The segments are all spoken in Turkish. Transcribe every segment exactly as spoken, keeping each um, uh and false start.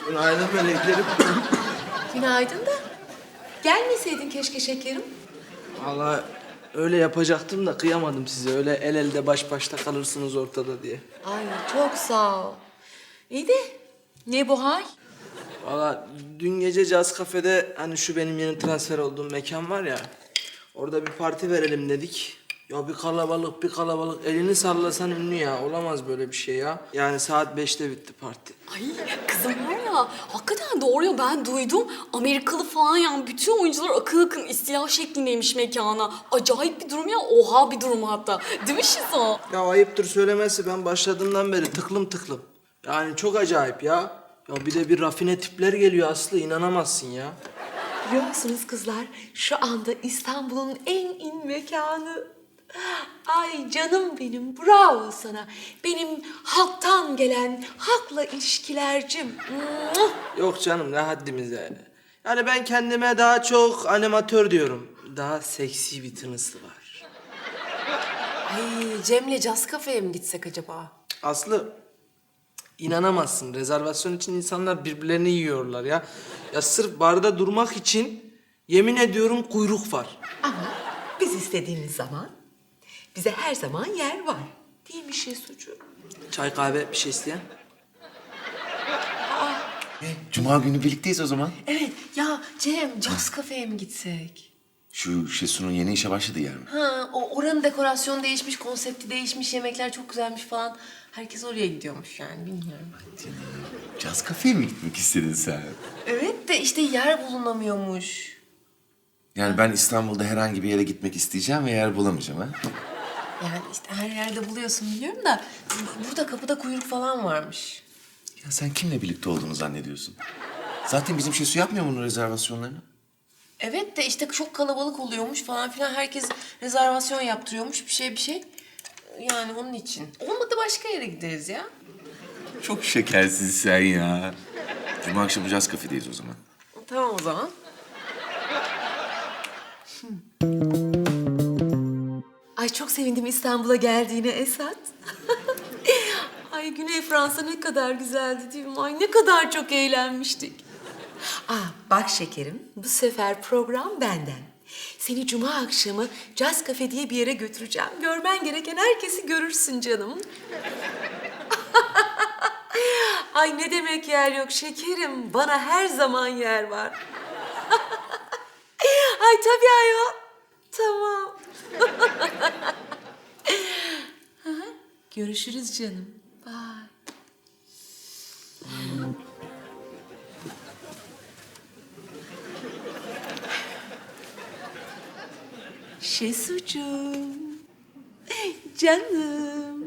Günaydın meleklerim. Günaydın da. Gelmeseydin keşke şekerim. Vallahi öyle yapacaktım da kıyamadım size. Öyle el elde baş başta kalırsınız ortada diye. Ay çok sağ ol. İyi de ne bu hal? Vallahi dün gece Caz Kafe'de hani şu benim yeni transfer olduğum mekan var ya. Orada bir parti verelim dedik. Ya bir kalabalık bir kalabalık elini sallasan ünlü ya. Olamaz böyle bir şey ya. Yani saat beşte bitti parti. Ay kızım var ya, hakikaten doğru ya, ben duydum. Amerikalı falan yani, bütün oyuncular akın akın istila şeklindeymiş mekana. Acayip bir durum ya, oha bir durum hatta. Değil mi Şizo? Ya ayıptır söylemesi, ben başladığımdan beri tıklım tıklım. Yani çok acayip ya. Ya bir de bir rafine tipler geliyor Aslı, inanamazsın ya. Biliyor musunuz kızlar? Şu anda İstanbul'un en in mekanı. Ay canım benim, bravo sana. Benim halktan gelen halkla ilişkilercim. Muah! Yok canım, ne haddimize. Yani ben kendime daha çok animatör diyorum. Daha seksi bir tınısı var. Ay Cem'le Caz Kafe'ye mi gitsek acaba? Aslı, inanamazsın. Rezervasyon için insanlar birbirlerini yiyorlar ya. Ya sırf barda durmak için yemin ediyorum kuyruk var. Ama biz istediğimiz zaman bize her zaman yer var. Değil mi Şesucuğum? Çay kahve bir şey isteyen? E, Cuma günü birlikteyiz o zaman. Evet ya Cem, Caz Kafe'ye mi gitsek? Şu Şesu'nun yeni işe başladığı yer mi? Ha, o oranın dekorasyonu değişmiş, konsepti değişmiş, yemekler çok güzelmiş falan. Herkes oraya gidiyormuş yani, bilmiyorum. Caz kafeye mi gitmek istedin sen? Evet de işte yer bulunamıyormuş. Yani ben İstanbul'da herhangi bir yere gitmek isteyeceğim ve yer bulamayacağım ha? Yani işte her yerde buluyorsun biliyorum da bu- burada kapıda kuyruk falan varmış. Ya sen kimle birlikte olduğunu zannediyorsun? Zaten bizim Şesu yapmıyor bunun rezervasyonlarını. Evet de işte çok kalabalık oluyormuş falan filan. Herkes rezervasyon yaptırıyormuş bir şey bir şey. Yani onun için. Olmadı başka yere gideriz ya. Çok şekersin sen ya. Cuma akşamı Caz kafedeyiz o zaman. Tamam o zaman. Ay çok sevindim İstanbul'a geldiğine Esat. Ay Güney Fransa ne kadar güzeldi değil mi? Ay ne kadar çok eğlenmiştik. Aa bak şekerim, bu sefer program benden. Seni cuma akşamı Caz Cafe diye bir yere götüreceğim. Görmen gereken herkesi görürsün canım. Ay ne demek yer yok şekerim. Bana her zaman yer var. Ay tabii ayol. Tamam. Görüşürüz canım. Bye. Şesucuğum. Canım.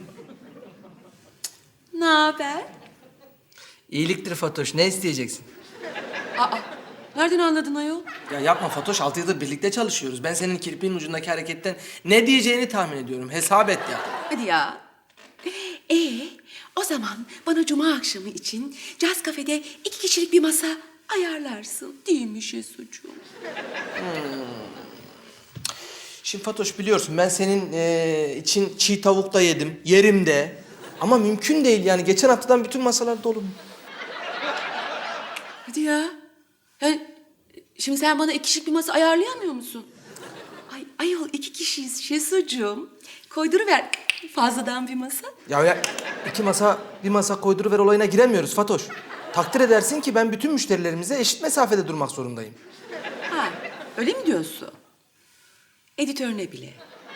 Ne haber? İyiliktir Fatoş, ne isteyeceksin? Aa, nereden anladın ayol? Ya yapma Fatoş, altı yıldır birlikte çalışıyoruz. Ben senin kirpiğin ucundaki hareketten ne diyeceğini tahmin ediyorum. Hesap et ya. Hadi ya. Ee, o zaman bana cuma akşamı için Caz Kafe'de iki kişilik bir masa ayarlarsın. Değil mi Şesucuğum? Şimdi Fatoş biliyorsun ben senin eee, için çiğ tavuk da yedim, yerim de. Ama mümkün değil yani. Geçen haftadan bütün masalar dolu. Hadi ya. Yani şimdi sen bana iki kişilik bir masa ayarlayamıyor musun? Ay ayol iki kişiyiz Şesucuğum. Koyduruver fazladan bir masa. Ya, ya iki masa, bir masa koyduruver olayına giremiyoruz Fatoş. Takdir edersin ki ben bütün müşterilerimize eşit mesafede durmak zorundayım. Ha, öyle mi diyorsun? Editörüne bile.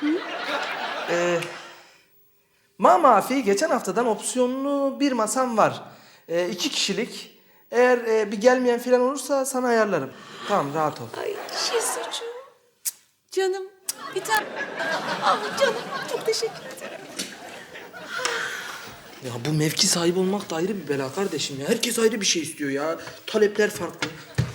Ma mafi geçen haftadan opsiyonlu bir masam var. Ee, iki kişilik. Eğer e, bir gelmeyen falan olursa sana ayarlarım. Tamam, rahat ol. Ay Şesucuğum. Cık, Canım. Cık, Bir tane. Ah canım. Çok teşekkür ederim. Ya bu mevki sahibi olmak da ayrı bir bela kardeşim ya. Herkes ayrı bir şey istiyor ya. Talepler farklı.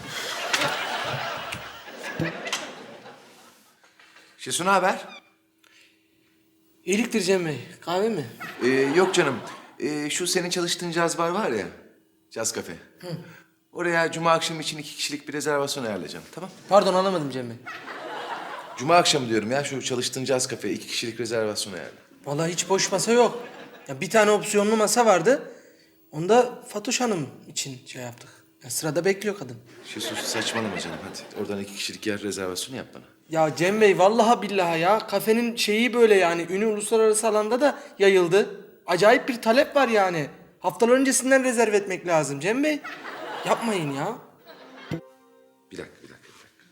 Şesu ne haber? İyiliktir Cem Bey. Kahve mi? Ee, yok canım. Ee, şu senin çalıştığın caz bar var ya. Caz kafe. Oraya Cuma akşamı için iki kişilik bir rezervasyon ayarlayacağım. Tamam. Pardon, anlamadım Cem Bey. Cuma akşamı diyorum ya, şu çalıştığın caz kafe iki kişilik rezervasyon ayarla. Vallahi hiç boş masa yok. Ya bir tane opsiyonlu masa vardı. Onu da Fatoş Hanım için şey yaptık. Ya sırada bekliyor kadın. Şesu saçmalama canım hadi. Oradan iki kişilik yer rezervasyonu yap bana. Ya Cem Bey vallahi billahi ya kafenin şeyi böyle yani ünü uluslararası alanda da yayıldı. Acayip bir talep var yani. Haftalar öncesinden rezerve etmek lazım Cem Bey. Yapmayın ya. Bir dakika, bir dakika, bir dakika.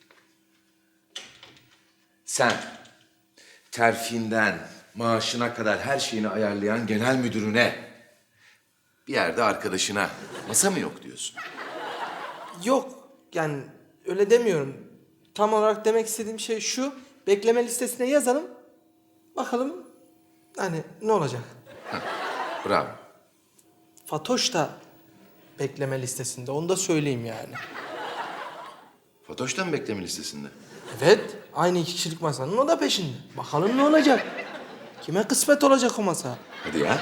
Sen terfinden maaşına kadar her şeyini ayarlayan genel müdürüne, bir yerde arkadaşına masa mı yok diyorsun? Yok yani öyle demiyorum. Tam olarak demek istediğim şey şu. Bekleme listesine yazalım. Bakalım hani ne olacak. Bravo. Fatoş da bekleme listesinde. Onu da söyleyeyim yani. Fatoş da mı bekleme listesinde? Evet. Aynı iki kişilik masanın o da peşinde. Bakalım ne olacak. Kime kısmet olacak o masa. Hadi ya.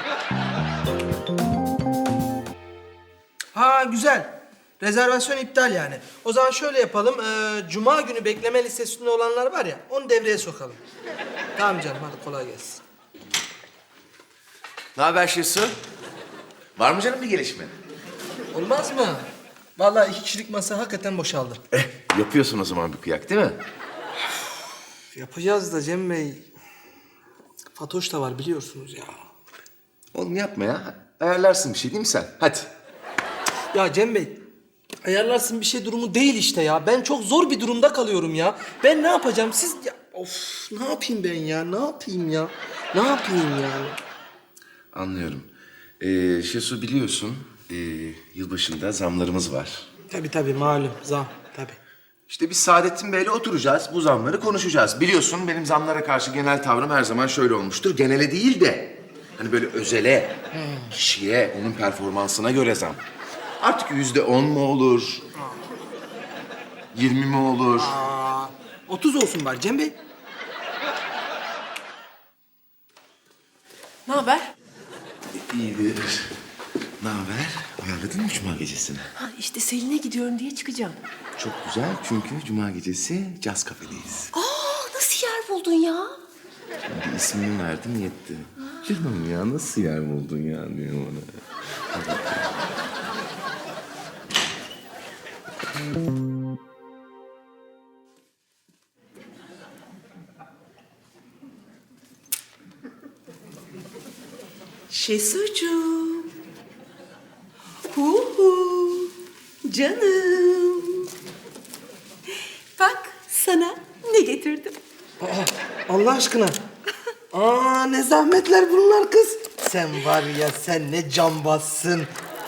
Ha güzel. Rezervasyon iptal yani. O zaman şöyle yapalım. Ee, Cuma günü bekleme listesinde olanlar var ya onu devreye sokalım. Tamam canım hadi kolay gelsin. Ne haber Şesu? Var mı canım bir gelişme? Olmaz mı? Vallahi iki kişilik masa hakikaten boşaldı. Eh, yapıyorsun o zaman bir kıyak değil mi? Yapacağız da Cem Bey. Fatoş da var biliyorsunuz ya. Oğlum yapma ya. Ayarlarsın bir şey değil mi sen? Hadi. Ya Cem Bey, ayarlarsın bir şey durumu değil işte ya. Ben çok zor bir durumda kalıyorum ya. Ben ne yapacağım? Siz ya of ne yapayım ben ya? Ne yapayım ya? Ne yapayım yani? Anlıyorum. Ee, Şesu biliyorsun, ee, yılbaşında zamlarımız var. Tabii tabii malum zam tabii. İşte biz Saadettin Bey'le oturacağız, bu zamları konuşacağız. Biliyorsun benim zamlara karşı genel tavrım her zaman şöyle olmuştur. Genele değil de hani böyle özele, kişiye, onun performansına göre zam. Artık yüzde on mu olur? Yirmi mi olur? Aa, otuz olsun bari Cem Bey. Ne haber? İyidir. Ne haber? Ayarladın mı cuma gecesini? Ha işte Selin'e gidiyorum diye çıkacağım. Çok güzel çünkü cuma gecesi caz kafedeyiz. Aa nasıl yer buldun ya? Bir ismini verdim yetti. Canım ya nasıl yer buldun ya diyor bana. Şesucuğum. Hu hu. Canım. Bak sana ne getirdim. Aa, Allah aşkına. Aa ne zahmetler bunlar kız. Sen var ya sen ne cambazsın.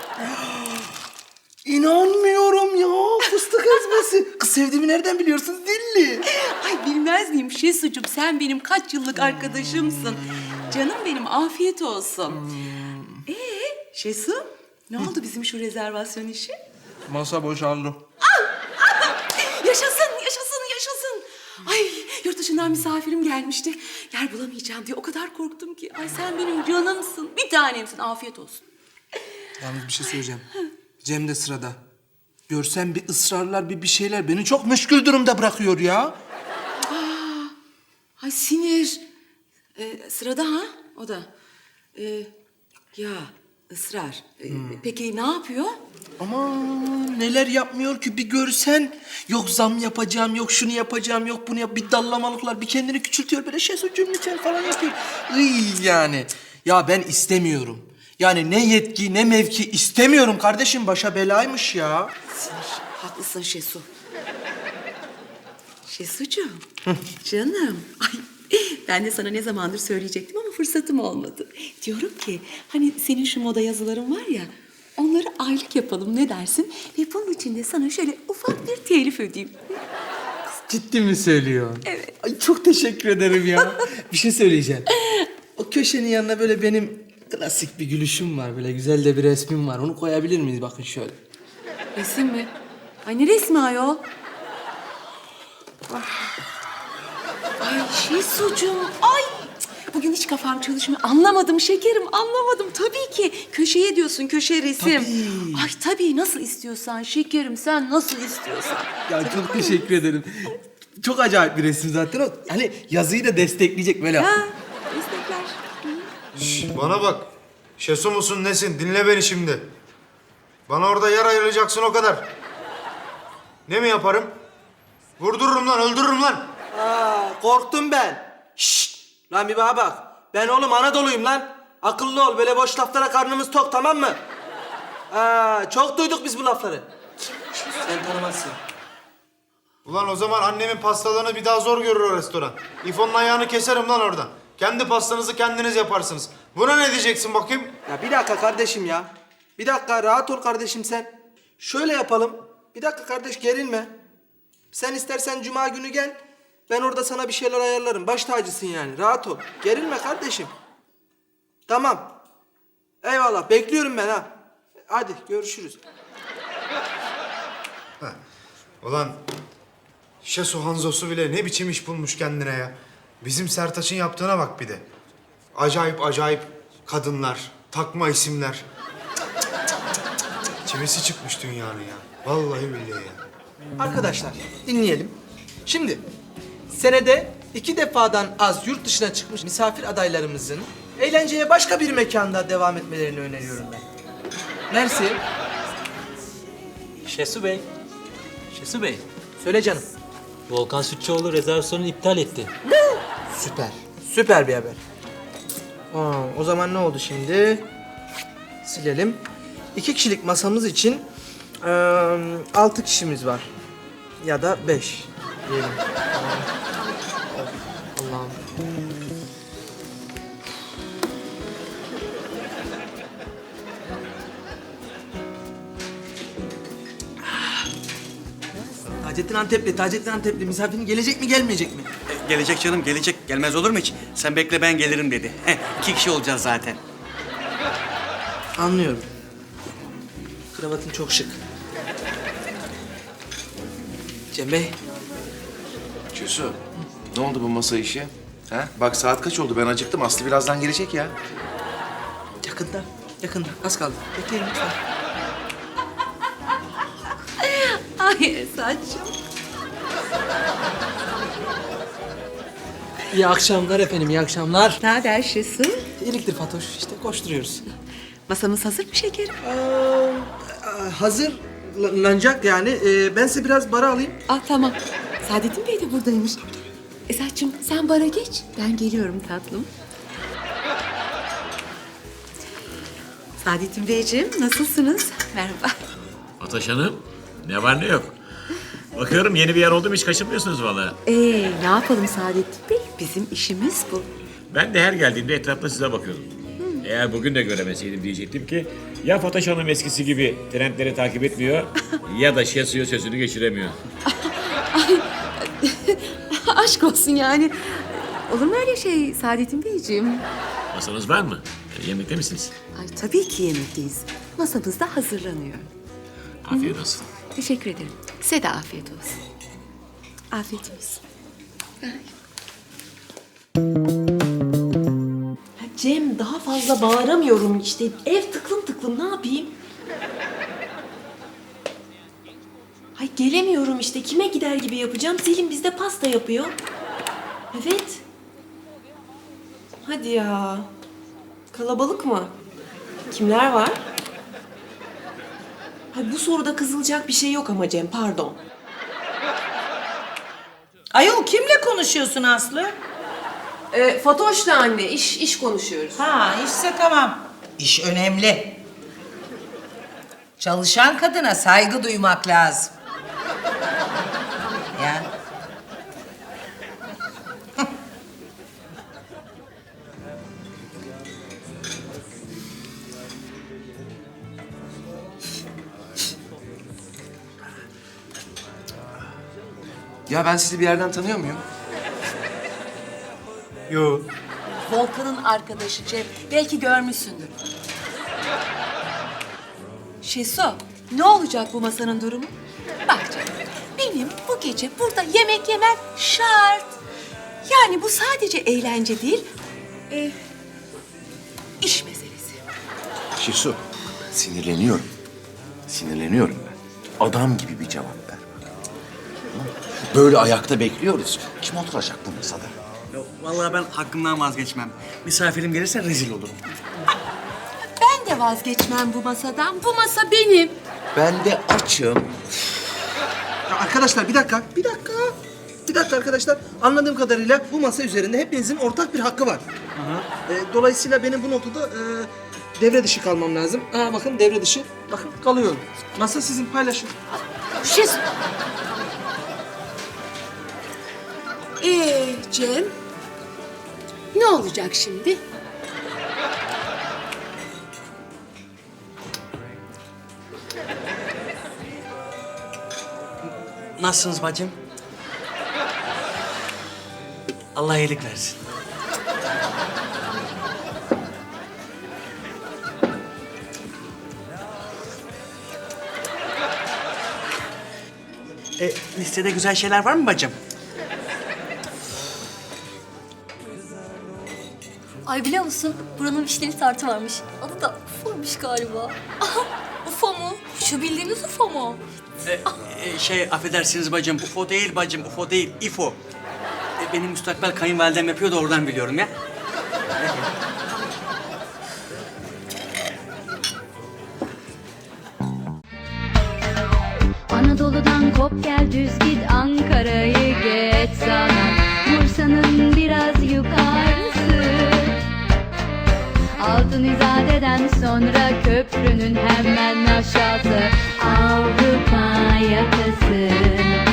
İnanmıyorum ya fıstık ezmesi. Kız sevdiğimi nereden biliyorsunuz dilli? Ay bilmez miyim Şesucuğum, sen benim kaç yıllık arkadaşımsın. Canım benim, afiyet olsun. Ee Şesu, ne oldu bizim şu rezervasyon işi? Masa boşaldı. Yaşasın, yaşasın, yaşasın. Ay yurt dışından misafirim gelmişti. Yer bulamayacağım diye o kadar korktum ki. Ay sen benim canımsın, bir tanemsin, afiyet olsun. Yalnız bir şey söyleyeceğim. Cem de sırada. Görsem bir ısrarlar bir bir şeyler beni çok meşgul durumda bırakıyor ya. Ay sinir. Ee, sırada ha, o da. Ee, ya ısrar. Ee, Peki ne yapıyor? Aman neler yapmıyor ki bir görsen. Yok zam yapacağım, yok şunu yapacağım, yok bunu yap. Bir dallamalıklar, bir kendini küçültüyor böyle şey sucuğum lütfen falan yapıyor. Iy yani. Ya ben istemiyorum. Yani ne yetki ne mevki istemiyorum kardeşim. Başa belaymış ya. Sinir. Haklısın Şesu. Şesucuğum, canım. Ay, ben de sana ne zamandır söyleyecektim ama fırsatım olmadı. Diyorum ki, hani senin şu moda yazıların var ya, onları aylık yapalım ne dersin? Ve bunun için de sana şöyle ufak bir telif ödeyeyim. Ciddi mi söylüyorsun? Evet. Ay çok teşekkür ederim ya. Bir şey söyleyeceğim. O köşenin yanına böyle benim klasik bir gülüşüm var. Böyle güzel de bir resmim var. Onu koyabilir miyiz? Bakın şöyle. Resim mi? Ay ne resmi ayol? Ay Şesucuğum, ay! Bugün hiç kafam çalışmıyor. Anlamadım şekerim, anlamadım. Tabii ki. Köşeye diyorsun, köşe resim. Tabii. Ay tabii, nasıl istiyorsan şekerim, sen nasıl istiyorsan. Ya çok teşekkür ederim. Çok acayip bir resim zaten o. Hani yazıyı da destekleyecek böyle. Ha, destekler. Şş, bana bak. Şesu musun nesin? Dinle beni şimdi. Bana orada yer ayıracaksın o kadar. Ne mi yaparım? Vurdururum lan, öldürürüm lan. Aa, korktum ben. Şşt! Lan bir bana bak. Ben oğlum Anadolu'yum lan. Akıllı ol. Böyle boş laflara karnımız tok, tamam mı? Aa, çok duyduk biz bu lafları. Sen tanımazsın. Ulan o zaman annemin pastalarını bir daha zor görür o restoran. İfon'un ayağını keserim lan oradan. Kendi pastanızı kendiniz yaparsınız. Buna ne diyeceksin bakayım? Ya bir dakika kardeşim ya. Bir dakika, rahat ol kardeşim sen. Şöyle yapalım. Bir dakika kardeş, gerilme. Sen istersen cuma günü gel. Ben orada sana bir şeyler ayarlarım. Baş tacısın yani. Rahat ol. Gerilme kardeşim. Tamam. Eyvallah. Bekliyorum ben ha. Hadi görüşürüz. Ulan Şesu Hanzosu bile ne biçim iş bulmuş kendine ya. Bizim Sertaç'ın yaptığına bak bir de. Acayip acayip kadınlar, takma isimler. Çivisi çıkmış dünyanın ya. Vallahi billahi ya. Arkadaşlar dinleyelim. Şimdi senede iki defadan az yurt dışına çıkmış misafir adaylarımızın eğlenceye başka bir mekanda devam etmelerini öneriyorum ben. Mersi. Şesu Bey. Şesu Bey. Söyle canım. Volkan Sütçüoğlu rezervasyonu iptal etti. Süper. Süper bir haber. Aa, o zaman ne oldu şimdi? Silelim. İki kişilik masamız için eee, altı kişimiz var. Ya da beş diyelim. Allah'ım. Taceddin Antepli, Taceddin Antepli. Misafirin gelecek mi, gelmeyecek mi? Gelecek canım, gelecek. Gelmez olur mu hiç? Sen bekle, ben gelirim dedi. Heh, iki kişi olacağız zaten. Anlıyorum. Kravatın çok şık. Cem Bey. Şesu, ne oldu bu masa işi? Ha? Bak saat kaç oldu? Ben acıktım. Aslı birazdan gelecek ya. Yakında, yakında. Az kaldı. Bekleyin lütfen. Ay Esat'cığım. İyi akşamlar efendim, iyi akşamlar. Ne haber Şesu? İyiliktir Fatoş, işte koşturuyoruz. Masamız hazır mı şekerim? Ee, hazırlanacak yani. Ee, ben size biraz bara alayım. Ah tamam. Saadettin Bey de buradaymış. Esat'cığım sen bara geç. Ben geliyorum tatlım. Saadettin Beyciğim nasılsınız? Merhaba. Ataş Hanım, ne var ne yok. Bakıyorum yeni bir yer oldu mu hiç kaçırmıyorsunuz vallahi. Ee, ne yapalım Saadettin Bey? Bizim işimiz bu. Ben de her geldiğimde etrafta size bakıyordum. Eğer bugün de göremeseydim diyecektim ki ya Fatoş Hanım eskisi gibi trendleri takip etmiyor ya da Şesu'ya sözünü geçiremiyor. Aşk olsun yani. Olur mu öyle şey Saadettin Beyciğim? Masanız var mı? Yemekte misiniz? Ay tabii ki yemekteyiz. Masamız da hazırlanıyor. Afiyet olsun. Teşekkür ederim. Size de afiyet olsun. Afiyet olsun. Ha, Cem daha fazla bağıramıyorum işte. Ev tıklım tıklım, ne yapayım? Ay gelemiyorum işte. Kime gider gibi yapacağım? Selim bizde pasta yapıyor. Evet. Hadi ya. Kalabalık mı? Kimler var? Ay bu soruda kızılacak bir şey yok ama Cem, pardon. Ayol kimle konuşuyorsun Aslı? Ee, Fatoş'la anne, iş iş konuşuyoruz. Ha işse tamam. İş önemli. Çalışan kadına saygı duymak lazım. Ya. Ya ben sizi bir yerden tanıyor muyum? Yo. Volkan'ın arkadaşı Cem. Belki görmüşsündür. Şesu, ne olacak bu masanın durumu? Bak canım, benim bu gece burada yemek yemem şart. Yani bu sadece eğlence değil, e, iş meselesi. Şesu, sinirleniyorum. Sinirleniyorum ben. Adam gibi bir cevap ver. Böyle ayakta bekliyoruz. Kim oturacak bu masada? Vallahi ben hakkımdan vazgeçmem. Misafirim gelirse rezil olurum. Ben de da vazgeçmem bu masadan. Bu masa benim. Ben de açım. Ya arkadaşlar bir dakika, bir dakika. Bir dakika arkadaşlar. Anladığım kadarıyla bu masa üzerinde hepinizin ortak bir hakkı var. Ee, dolayısıyla benim bu noktada e, devre dışı kalmam lazım. Aa bakın devre dışı. Bakın kalıyorum. Masa sizin, paylaşın. Şes... Ee Cem, ne olacak şimdi? Nasılsınız bacım? Allah iyilik versin. E, listede güzel şeyler var mı bacım? Ay biliyor musun? Buranın vişneli tartı varmış. Adı da Ufo'ymuş galiba. Aha, Ufo mu? Şu bildiğiniz Ufo mu? E, e, şey affedersiniz bacım, U F O değil bacım, U F O değil, İ F O. E, benim müstakbel kayınvalidem yapıyor da oradan biliyorum ya. Anadolu'dan kop gel düz git Ankara'yı geç sana Bursa'nın biraz yukarısı Altın İzade'den sonra köprünün hemen aşağısı Avrupa yakası